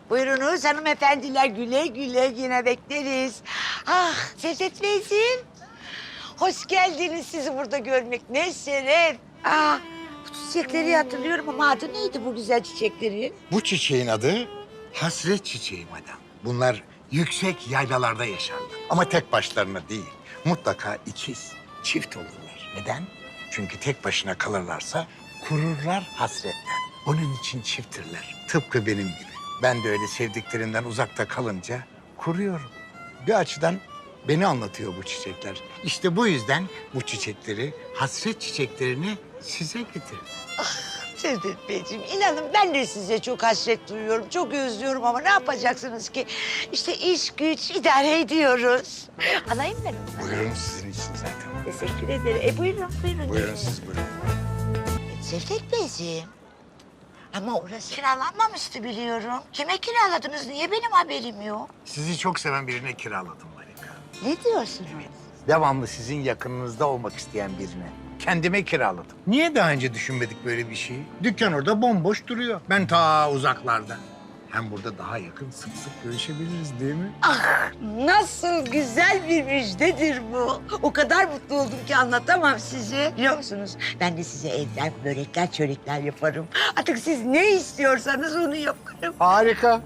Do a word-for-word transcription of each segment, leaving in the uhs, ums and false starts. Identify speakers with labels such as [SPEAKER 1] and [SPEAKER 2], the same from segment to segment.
[SPEAKER 1] Buyurunuz hanımefendiler, güle güle yine bekleriz. Ah Cevdet Beyciğim, hoş geldiniz. Sizi burada görmek ne şeref. Ah, bu çiçekleri hatırlıyorum ama adı neydi bu güzel çiçeklerin?
[SPEAKER 2] Bu çiçeğin adı hasret çiçeği madam. Bunlar yüksek yaylalarda yaşarlar. Ama tek başlarına değil. Mutlaka ikiz, çift olurlar. Neden? Çünkü tek başına kalırlarsa kururlar hasretten. Onun için çifttirler. Tıpkı benim gibi. Ben de öyle sevdiklerimden uzakta kalınca kuruyorum. Bir açıdan beni anlatıyor bu çiçekler. İşte bu yüzden bu çiçekleri, hasret çiçeklerini size getirdim.
[SPEAKER 1] Cevdet Beyciğim, inanın ben de size çok hasret duyuyorum, çok özlüyorum ama ne yapacaksınız ki? İşte iş güç idare ediyoruz. Alayım ben onu.
[SPEAKER 2] Buyurun sizin için zaten.
[SPEAKER 1] Teşekkür ederim. E buyurun, buyurun.
[SPEAKER 2] Buyurun siz buyurun.
[SPEAKER 1] Cevdet Beyciğim, ama orası kiralanmamıştı biliyorum. Kime kiraladınız, niye benim haberim yok?
[SPEAKER 2] Sizi çok seven birine kiraladım Marika.
[SPEAKER 1] Ne diyorsunuz?
[SPEAKER 2] Devamlı sizin yakınınızda olmak isteyen birine. Kendime kiraladım. Niye daha önce düşünmedik böyle bir şeyi? Dükkan orada bomboş duruyor. Ben ta uzaklarda. Hem burada daha yakın sık sık görüşebiliriz değil mi?
[SPEAKER 1] Ah, nasıl güzel bir müjdedir bu. O kadar mutlu oldum ki anlatamam size. Biliyor musunuz? Ben de size evden börekler, çörekler yaparım. Artık siz ne istiyorsanız onu yaparım.
[SPEAKER 2] Harika.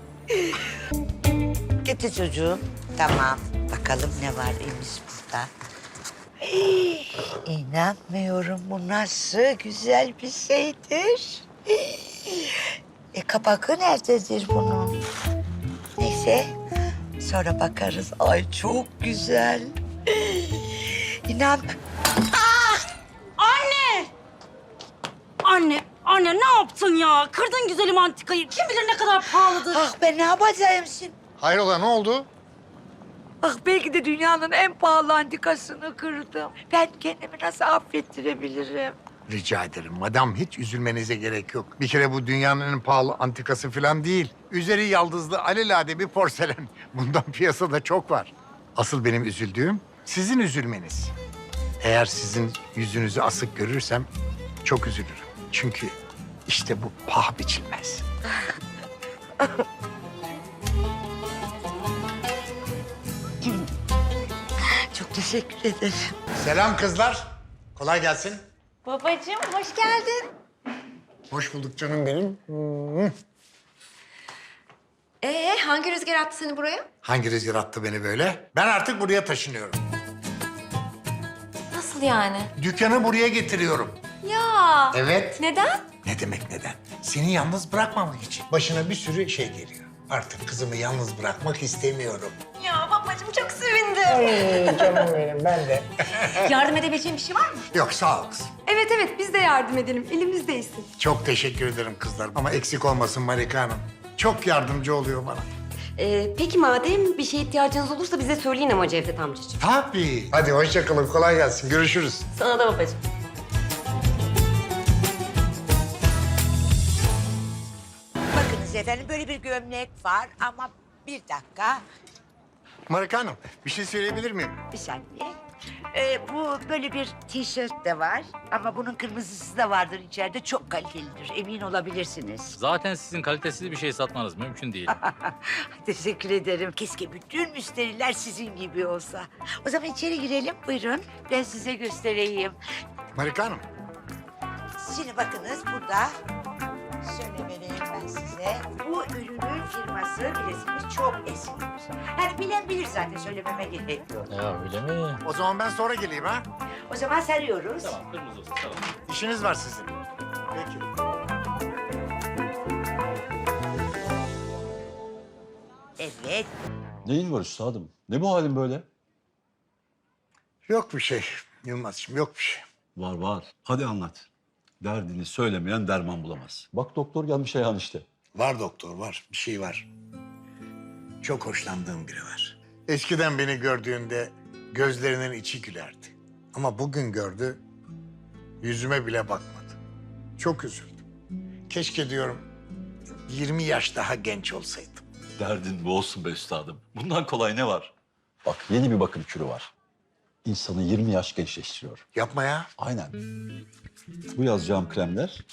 [SPEAKER 1] Getir çocuğum. Tamam. Bakalım ne var elimiz burada. Hey, İnanmıyorum, bu nasıl güzel bir şeydir. E kapakı nerededir bunun? Neyse, sonra bakarız. Ay çok güzel. İnan.
[SPEAKER 3] Anne! Anne, anne ne yaptın ya? Kırdın güzelim antikayı. Kim bilir ne kadar pahalıdır.
[SPEAKER 1] Ah ben ne yapacağım şimdi?
[SPEAKER 2] Hayrola ne oldu?
[SPEAKER 1] Ah belki de dünyanın en pahalı antikasını kırdım. Ben kendimi nasıl affettirebilirim?
[SPEAKER 2] Rica ederim madam, hiç üzülmenize gerek yok. Bir kere bu dünyanın en pahalı antikası falan değil. Üzeri yaldızlı alelade bir porselen. Bundan piyasada çok var. Asıl benim üzüldüğüm sizin üzülmeniz. Eğer sizin yüzünüzü asık görürsem çok üzülürüm. Çünkü işte bu paha biçilmez.
[SPEAKER 1] Çok teşekkür ederim.
[SPEAKER 2] Selam kızlar. Kolay gelsin.
[SPEAKER 3] Babacığım hoş geldin.
[SPEAKER 2] Hoş bulduk canım benim.
[SPEAKER 4] Ee, hangi rüzgar attı seni buraya?
[SPEAKER 2] Hangi rüzgar attı beni böyle? Ben artık buraya taşınıyorum.
[SPEAKER 4] Nasıl yani?
[SPEAKER 2] Dükkanı buraya getiriyorum.
[SPEAKER 4] Ya.
[SPEAKER 2] Evet.
[SPEAKER 4] Neden?
[SPEAKER 2] Ne demek neden? Seni yalnız bırakmamak için. Başına bir sürü şey geliyor. Artık kızımı yalnız bırakmak istemiyorum.
[SPEAKER 4] Ya babacığım çok sevindim.
[SPEAKER 2] Ee, canım benim, ben de.
[SPEAKER 4] Yardım edebileceğim bir şey var mı?
[SPEAKER 2] Yok, sağ ol kızım.
[SPEAKER 4] Evet evet biz de yardım edelim. Elimizdeyisin.
[SPEAKER 2] Çok teşekkür ederim kızlar. Ama eksik olmasın Marika Hanım. Çok yardımcı oluyor bana.
[SPEAKER 5] Ee, peki madem bir şeye ihtiyacınız olursa bize söyleyin ama Cevdet amcacığım.
[SPEAKER 2] Tabii. Hadi hoşça kalın, kolay gelsin. Görüşürüz.
[SPEAKER 5] Sana da babacığım.
[SPEAKER 1] Bakınız efendim, böyle bir gömlek var ama bir dakika,
[SPEAKER 2] Marika Hanım, bir şey söyleyebilir miyim?
[SPEAKER 1] bir saniye. Ee, bu böyle bir tişört de var ama bunun kırmızısı da vardır içeride. Çok kalitelidir, emin olabilirsiniz.
[SPEAKER 6] Zaten sizin kalitesiz bir şey satmanız mümkün değil.
[SPEAKER 1] Teşekkür ederim. Keşke bütün müşteriler sizin gibi olsa. O zaman içeri girelim, buyurun. Ben size göstereyim.
[SPEAKER 2] Marika Hanım,
[SPEAKER 1] Şimdi bakınız burada. Şöyle vereyim ben size. Bu ürünün firması bilirsiniz çok eskidir. Yani bilen bilir zaten, söylememe gerek yok.
[SPEAKER 6] Ya öyle mi?
[SPEAKER 2] o zaman ben sonra geleyim ha.
[SPEAKER 1] O zaman sarıyoruz.
[SPEAKER 6] Tamam, kırmızı olsun. Tamam.
[SPEAKER 2] İşiniz var sizin. Peki.
[SPEAKER 1] Evet.
[SPEAKER 7] Neyin var üstadım? Ne bu halin böyle?
[SPEAKER 2] Yok bir şey Yılmaz'cığım, yok bir şey.
[SPEAKER 7] Var var. Hadi anlat. Derdini söylemeyen derman bulamaz. Bak doktor gelmiş Ayhan işte.
[SPEAKER 2] Var doktor, var. Bir şey var. Çok hoşlandığım biri var. Eskiden beni gördüğünde gözlerinin içi gülerdi. Ama bugün gördü, yüzüme bile bakmadı. Çok üzüldüm. Keşke diyorum yirmi yaş daha genç olsaydım.
[SPEAKER 7] Derdin bu olsun be üstadım. Bundan kolay ne var? Bak yeni bir bakım kürü var. insanı yirmi yaş gençleştiriyor.
[SPEAKER 2] Yapma ya.
[SPEAKER 7] Aynen. Bu yazacağım kremler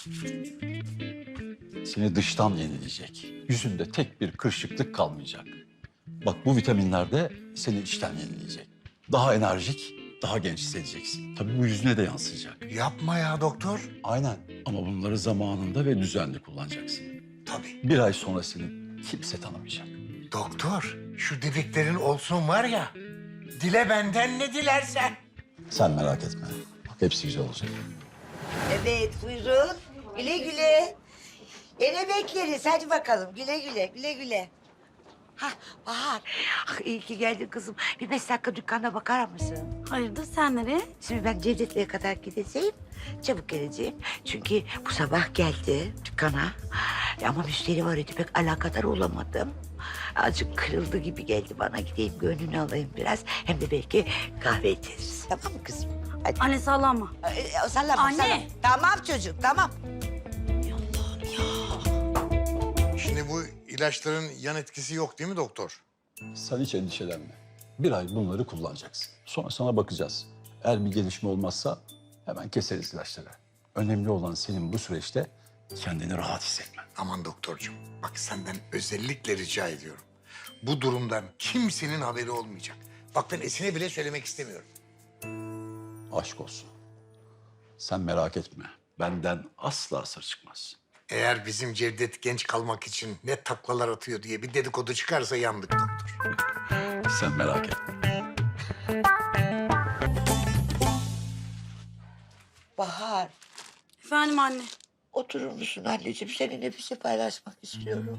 [SPEAKER 7] seni dıştan yenileyecek. Yüzünde tek bir kırışıklık kalmayacak. Bak bu vitaminler de seni içten yenileyecek. Daha enerjik, daha genç hissedeceksin. Tabii bu yüzüne de yansıyacak.
[SPEAKER 2] Yapma ya doktor.
[SPEAKER 7] Aynen. Ama bunları zamanında ve düzenli kullanacaksın.
[SPEAKER 2] Tabii.
[SPEAKER 7] Bir ay sonra seni kimse tanımayacak.
[SPEAKER 2] Doktor, şu dediklerin olsun var ya. Dile benden ne dilersen.
[SPEAKER 7] Sen merak etme. Bak hepsi güzel olacak.
[SPEAKER 1] Evet buyurun. Güle güle. Yine bekleriz. Hadi bakalım. Güle güle. Güle güle. Hah Bahar. Ah, iyi ki geldin kızım. Bir beş dakika dükkana bakar mısın?
[SPEAKER 3] Hayırdır sen nereye?
[SPEAKER 1] Şimdi ben Cevdet'le kadar gideceğim. Çabuk geleceğim. Çünkü bu sabah geldi dükkana. Ama müşteri var idi pek alakadar olamadım. Azıcık kırıldı gibi geldi bana. Gideyim gönlünü alayım biraz. Hem de belki kahve içeriz. Tamam mı kızım? Hadi.
[SPEAKER 3] Anne sallama.
[SPEAKER 1] Ee, sallama,
[SPEAKER 3] Anne.
[SPEAKER 1] sallama. Tamam çocuk, tamam.
[SPEAKER 2] Şimdi bu ilaçların yan etkisi yok değil mi doktor?
[SPEAKER 7] Sen hiç endişelenme. Bir ay bunları kullanacaksın. Sonra sana bakacağız. Eğer bir gelişme olmazsa hemen keseriz ilaçları. Önemli olan senin bu süreçte kendini rahat hissetmen.
[SPEAKER 2] Aman doktorcuğum, bak senden özellikle rica ediyorum. Bu durumdan kimsenin haberi olmayacak. Bak ben Esin'e bile söylemek istemiyorum.
[SPEAKER 7] Aşk olsun. Sen merak etme. Benden asla sır çıkmaz.
[SPEAKER 2] Eğer bizim Cevdet genç kalmak için ne taklalar atıyor diye bir dedikodu çıkarsa yandık doktor.
[SPEAKER 7] Sen merak etme.
[SPEAKER 1] Bahar,
[SPEAKER 3] Efendim anne.
[SPEAKER 1] oturur musun anneciğim? Seninle bir şey paylaşmak istiyorum.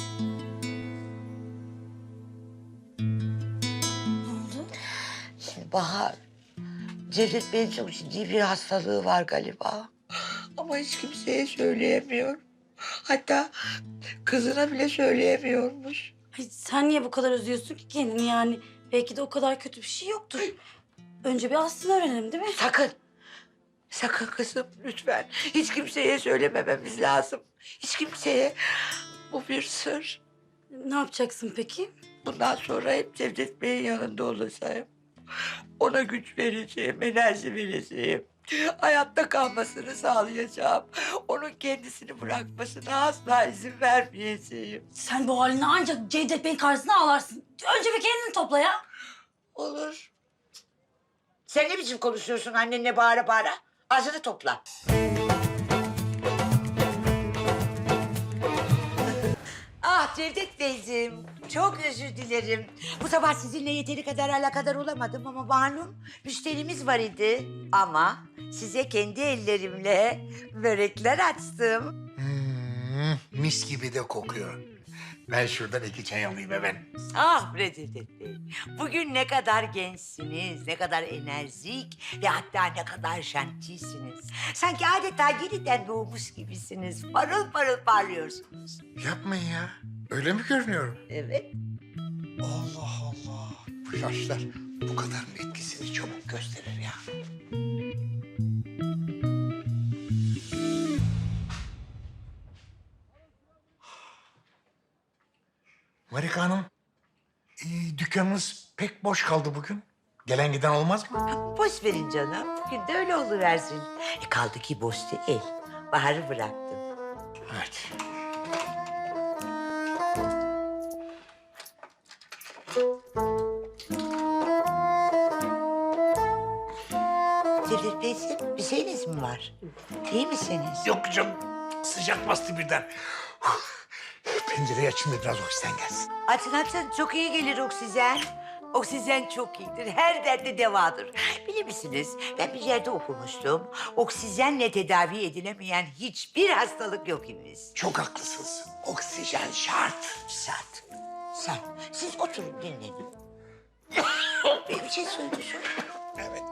[SPEAKER 3] Ne oldu?
[SPEAKER 1] Şimdi Bahar, Cevdet Bey'in çok ciddi bir hastalığı var galiba. Ama hiç kimseye söyleyemiyor. Hatta kızına bile söyleyemiyormuş.
[SPEAKER 3] Ay, sen niye bu kadar üzüyorsun ki kendini yani? Belki de o kadar kötü bir şey yoktur. Önce bir aslını öğrenelim değil mi?
[SPEAKER 1] Sakın. Sakın kızım lütfen. Hiç kimseye söylemememiz lazım. Hiç kimseye. Bu bir sır.
[SPEAKER 3] Ne yapacaksın peki?
[SPEAKER 1] Bundan sonra hep Cevdet Bey'in yanında olacağım. Ona güç vereceğim, enerji vereceğim. Hayatta kalmasını sağlayacağım. Onun kendisini bırakmasına asla izin vermeyeceğim.
[SPEAKER 3] Sen bu haline ancak Cevdet Bey'in karşısına ağlarsın. Önce bir kendini topla ya.
[SPEAKER 1] Olur. Sen ne biçim konuşuyorsun annenle bağıra bağıra? Ağzını topla. Ah Cevdet Beyciğim, çok özür dilerim. Bu sabah sizinle yeteri kadar alakadar olamadım ama malum müşterimiz var idi. Ama size kendi ellerimle börekler açtım.
[SPEAKER 2] Hmm, mis gibi de kokuyor. Ben şuradan iki çay alayım hemen.
[SPEAKER 1] Ah bre Cevdet Bey, bugün ne kadar gençsiniz, ne kadar enerjik ve hatta ne kadar şantisiniz. Sanki adeta yeniden doğmuş gibisiniz. Parıl parıl parlıyorsunuz.
[SPEAKER 2] Yapmayın ya. Öyle mi görünüyorum?
[SPEAKER 1] Evet.
[SPEAKER 2] Allah Allah. Bu yaşlar bu kadar mı etkisini çabuk gösterir ya? Marika Hanım, ee, dükkanınız pek boş kaldı bugün. Gelen giden olmaz mı?
[SPEAKER 1] Boş verin canım. Bugün de öyle oluversin. E kaldı ki boş değil. Bahar'ı bıraktım.
[SPEAKER 2] Evet.
[SPEAKER 1] Cevdet Beyciğim, bir şeyiniz mi var? İyi misiniz?
[SPEAKER 2] Yok canım, sıcak bastı birden. Pencereyi açın da biraz oksijeni gelsin.
[SPEAKER 1] Açın açın, çok iyi gelir oksijen. Oksijen çok iyidir, her derde devadır. Bilir misiniz, ben bir yerde okumuştum. Oksijenle tedavi edilemeyen hiçbir hastalık yok imiş.
[SPEAKER 2] Çok haklısınız. Oksijen şart.
[SPEAKER 1] Şart. Şart. Siz oturun dinlenin. Bir şey söylüyorsun.
[SPEAKER 2] Evet.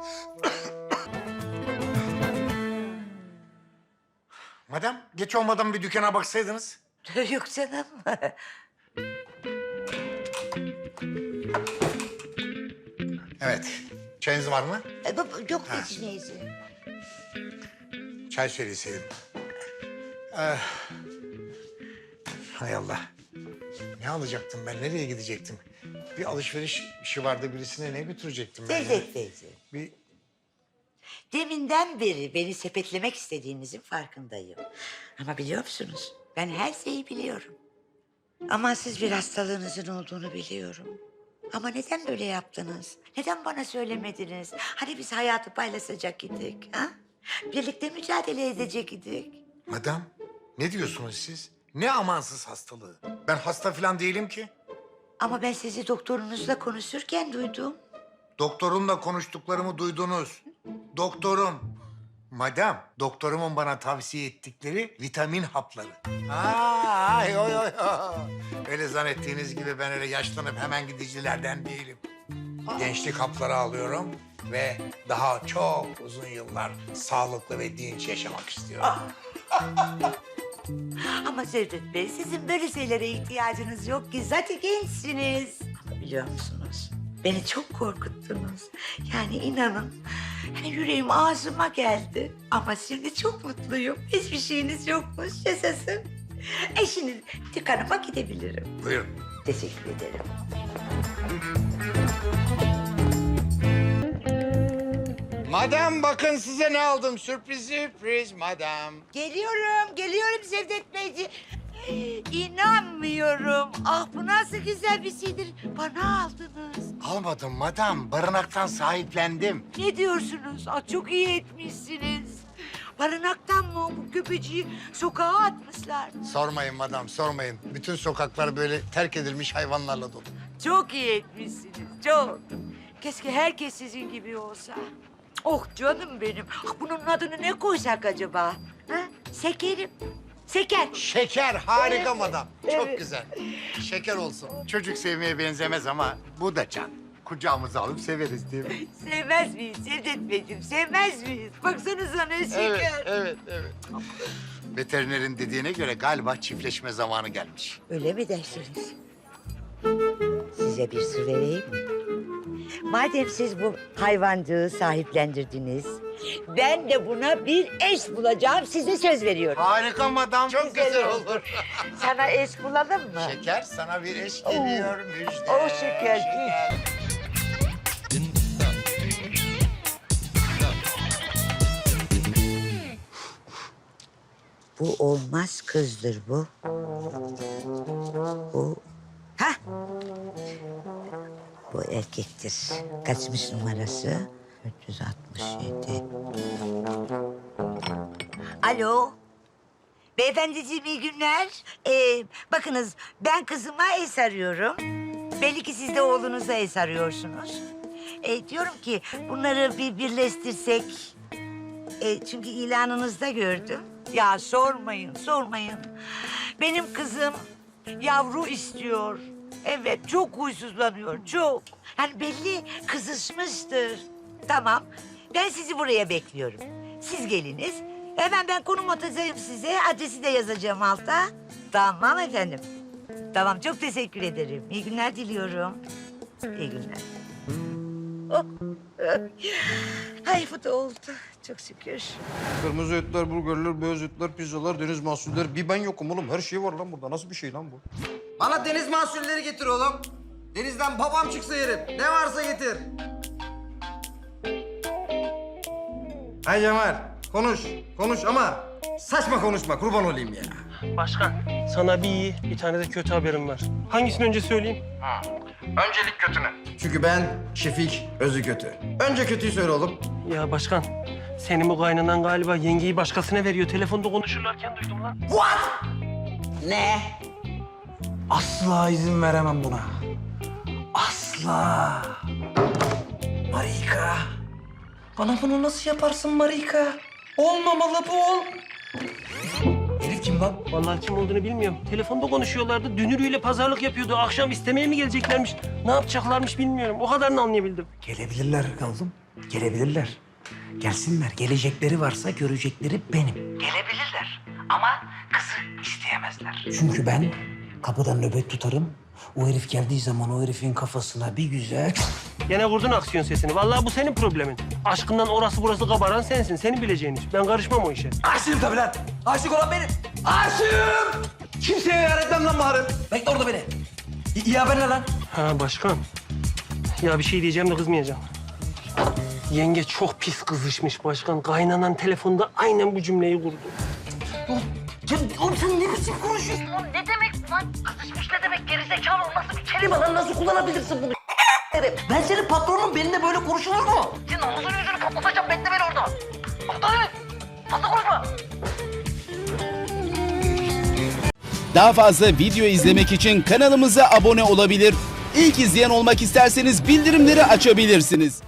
[SPEAKER 2] Madem, geç olmadan bir dükkana baksaydınız.
[SPEAKER 1] Yok canım.
[SPEAKER 2] Evet. Çayınız var mı?
[SPEAKER 1] E, baba, yok hiç neyse.
[SPEAKER 2] Çay söyleseydim. Eh. Hay Allah. Ne alacaktım ben? Nereye gidecektim? Bir alışveriş işi vardı, birisine ne götürecektim ben ya?
[SPEAKER 1] Cevdet Beyciğim,
[SPEAKER 2] Bir
[SPEAKER 1] deminden beri beni sepetlemek istediğinizin farkındayım. Ama biliyor musunuz? Ben her şeyi biliyorum. Amansız bir hastalığınızın olduğunu biliyorum. Ama neden böyle yaptınız? Neden bana söylemediniz? Hani biz hayatı paylaşacak idik, ha? Birlikte mücadele edecek idik.
[SPEAKER 2] Madam, ne diyorsunuz siz? Ne amansız hastalığı? Ben hasta falan değilim ki.
[SPEAKER 1] Ama ben sizi doktorunuzla konuşurken duydum.
[SPEAKER 2] Doktorumla konuştuklarımı duydunuz. Doktorum. Madam, doktorumun bana tavsiye ettikleri vitamin hapları. Aa, ay, oy, oy, oy. Öyle zannettiğiniz gibi ben öyle yaşlanıp hemen gidicilerden değilim. Gençlik hapları alıyorum ve daha çok uzun yıllar sağlıklı ve dinç yaşamak istiyorum.
[SPEAKER 1] Ama Cevdet Bey, sizin böyle şeylere ihtiyacınız yok ki. Zaten gençsiniz. Ama biliyor musunuz? Beni çok korkuttunuz. Yani inanın, hani yüreğim ağzıma geldi. Ama şimdi çok mutluyum. Hiçbir şeyiniz yokmuş. Yaşasın. Eşiniz dükkanıma gidebilirim.
[SPEAKER 2] Buyurun.
[SPEAKER 1] Teşekkür ederim.
[SPEAKER 2] Madam bakın size ne aldım. Sürpriz sürpriz madam.
[SPEAKER 1] Geliyorum, geliyorum Cevdet Beyciğim. İnanmıyorum. Ah bu nasıl güzel bir şeydir. Bana aldınız.
[SPEAKER 2] Almadım madam. Barınaktan sahiplendim.
[SPEAKER 1] Ne diyorsunuz? Ah, çok iyi etmişsiniz. Barınaktan mı bu köpeciği sokağa atmışlar?
[SPEAKER 2] Sormayın madam, sormayın. Bütün sokaklar böyle terk edilmiş hayvanlarla dolu.
[SPEAKER 1] Çok iyi etmişsiniz, çok. Keşke herkes sizin gibi olsa. Oh canım benim. Ah, bunun adını ne koysak acaba? Ha? Şekerim. Şeker.
[SPEAKER 2] Şeker, harika
[SPEAKER 1] Evet,
[SPEAKER 2] madam. Çok
[SPEAKER 1] evet.
[SPEAKER 2] güzel. Şeker olsun. Çocuk sevmeye benzemez ama bu da can. Kucağımıza alıp severiz değil mi?
[SPEAKER 1] Sevmez miyiz Cevdet Beyciğim? Sevmez miyiz? Baksanıza ne şeker.
[SPEAKER 2] Evet, evet, evet. Veterinerin dediğine göre galiba çiftleşme zamanı gelmiş.
[SPEAKER 1] Öyle mi dersiniz? Size bir sır vereyim mi? Madem siz bu hayvancığı sahiplendirdiniz, ben de buna bir eş bulacağım, size söz veriyorum.
[SPEAKER 2] Harika madam. Çok
[SPEAKER 1] Güzel
[SPEAKER 2] güzel,
[SPEAKER 1] oldu.
[SPEAKER 2] olur.
[SPEAKER 1] Sana eş bulalım mı?
[SPEAKER 2] Şeker, sana bir eş geliyor. Müjde.
[SPEAKER 1] Oh, şeker. Bu olmaz kızdır bu. Bu... Ha? Bu erkektir. Kaçmış numarası? üç yüz altmış yedi. Alo. Beyefendiciğim iyi günler. Ee, bakınız ben kızıma eş arıyorum. Belli ki siz de oğlunuza eş arıyorsunuz. Ee, diyorum ki bunları bir birleştirsek. Ee, çünkü ilanınızda gördüm. Ya sormayın, sormayın. Benim kızım yavru istiyor. Evet, çok huysuzlanıyor, çok. Yani belli kızışmıştır. Tamam, ben sizi buraya bekliyorum. Siz geliniz. Hemen ben konum atacağım size. Adresi de yazacağım alta. Tamam efendim. Tamam, çok teşekkür ederim. İyi günler diliyorum. İyi günler. Oh. Ay bu da oldu. Çok şükür.
[SPEAKER 8] Kırmızı etler, burgerler, beyaz etler, pizzalar, deniz mahsulleri. Bir ben yokum oğlum. Her şey var lan burada. Nasıl bir şey lan bu?
[SPEAKER 9] Bana deniz mahsulleri getir oğlum. Denizden babam çıksa yerim. Ne varsa getir. Hay Cemal, konuş. Konuş ama saçma konuşma. Kurban olayım ya.
[SPEAKER 10] Başkan, sana bir iyi, bir tane de kötü haberim var. Hangisini önce söyleyeyim?
[SPEAKER 9] Öncelik kötünü. Çünkü ben Şefik, özü kötü. Önce kötüyü söyle oğlum.
[SPEAKER 10] Ya başkan, senin bu kaynanan galiba yengeyi başkasına veriyor. Telefonda konuşurlarken duydum lan.
[SPEAKER 9] Ne? Asla izin veremem buna. Asla. Marika. Bana bunu nasıl yaparsın Marika? Olmamalı bu ol. Herif kim lan?
[SPEAKER 10] Vallahi kim olduğunu bilmiyorum. Telefonda konuşuyorlardı. Dünürüyle pazarlık yapıyordu. Akşam istemeye mi geleceklermiş? Ne yapacaklarmış bilmiyorum. O kadarını anlayabildim.
[SPEAKER 9] Gelebilirler oğlum. Gelebilirler. Gelsinler. Gelecekleri varsa görecekleri benim. Gelebilirler. Ama kızı isteyemezler. Çünkü ben kapıdan nöbet tutarım. O herif geldiği zaman o herifin kafasına bir güzel...
[SPEAKER 10] Gene vurdun aksiyon sesini. Vallahi bu senin problemin. Aşkından orası burası kabaran sensin. Senin bileceğin iş. Ben karışmam o işe.
[SPEAKER 9] Aşığım tabii lan. Aşık olan benim. Aşığım. Kimseye yar etmem lan Bahar'ım. Bekle orada beni. İyi haber ne lan?
[SPEAKER 10] Ha başkan. Ya bir şey diyeceğim de kızmayacağım. Yenge çok pis kızışmış başkan. Kaynanan telefonda aynen bu cümleyi kurdu.
[SPEAKER 9] Ya oğlum sen ne biçim konuşuyorsun oğlum? Ne demek lan? Kızışmış ne demek? Gerizekalı olması bir kelime lan. Nasıl kullanabilirsin bunu? Ben senin patronum. Benimle böyle konuşulur mu? Senin omuzun yüzünü patlatacağım. Bekle beni orada. Aptal herif. Fazla konuşma.
[SPEAKER 11] Daha fazla video izlemek için kanalımıza abone olabilir. İlk izleyen olmak isterseniz bildirimleri açabilirsiniz.